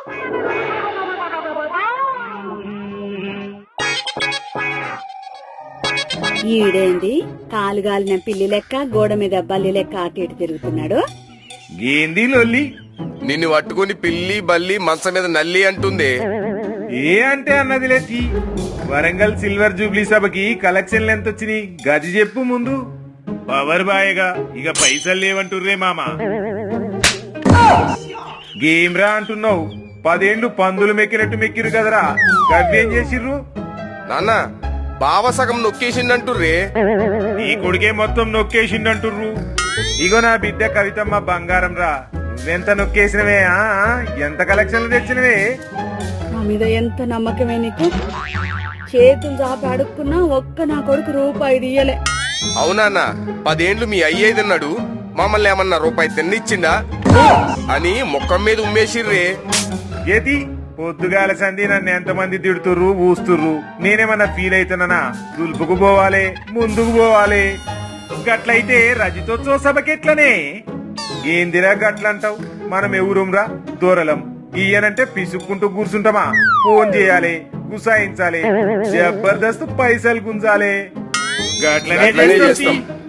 ఈడేంది కాలుగాలిన పిల్లి లెక్క గోడ మీద బల్లి లెక్క అటు ఇటు తిరుగుతున్నాడు. ఏంది లొల్లి? నిన్ను పట్టుకుని పిల్లి బల్లి మంచం మీద నల్లి అంటుంది. ఏ అంటే అన్నది లేచి వరంగల్ సిల్వర్ జూబ్లీ సభకి కలెక్షన్లు ఎంత వచ్చినాయి గది చెప్పు ముందు. పవర్ బాయగా ఇక పైసలు లేవంటుర్రే మామ. గేమ్ రా అంటున్నావు, 10 ఏళ్లు పందులు మెక్కినట్టు మెక్కిరు కదరా, గవ్వేం చేసిర్రు? నాన్న బావ సగం నొక్కేసిండంటుర్రే. నీ కొడుకే మొత్తం నొక్కేసిండంటుర్రు. ఇగో నా బిడ్డ కవితమ్మ బంగారం రా, నువ్వెంత నొక్కేసినవే, ఎంత కలెక్షన్లు తెచ్చినవే. నా మీద ఎంత నమ్మకమే నీకు? చేతులు చాపి అడుక్కున్నా ఒక్క నా కొడుకు రూపాయి ఇయ్యలే. అవునా 10 ఏళ్లు మీ అయ్యేదన్నాడు, మమ్మల్ని ఏమన్నా రూపాయి తిన్నిచ్చిండా అని ముఖం మీద ఉమ్మేసిర్రే. ఏది పొద్దుగాల సంధి నన్ను ఎంతమంది తిడుతుర్రు ఊస్తుర్రు, నేనేమన్నా ఫీల్ అవుతున్నానా? దులుపుకు పోవాలి, ముందుకు పోవాలి. గట్లయితే రజతోత్సవ సభకెట్లనే? ఏందిరా గట్లంటావు? మనం ఎవరురా దూరలం, గీయనంటే పిసుక్కుంటూ కూర్చుంటామా? ఫోన్ చేయాలి, గుసాయించాలి, జబర్దస్త్ పైసలు గుంజాలి. గట్లనే చేస్తాం.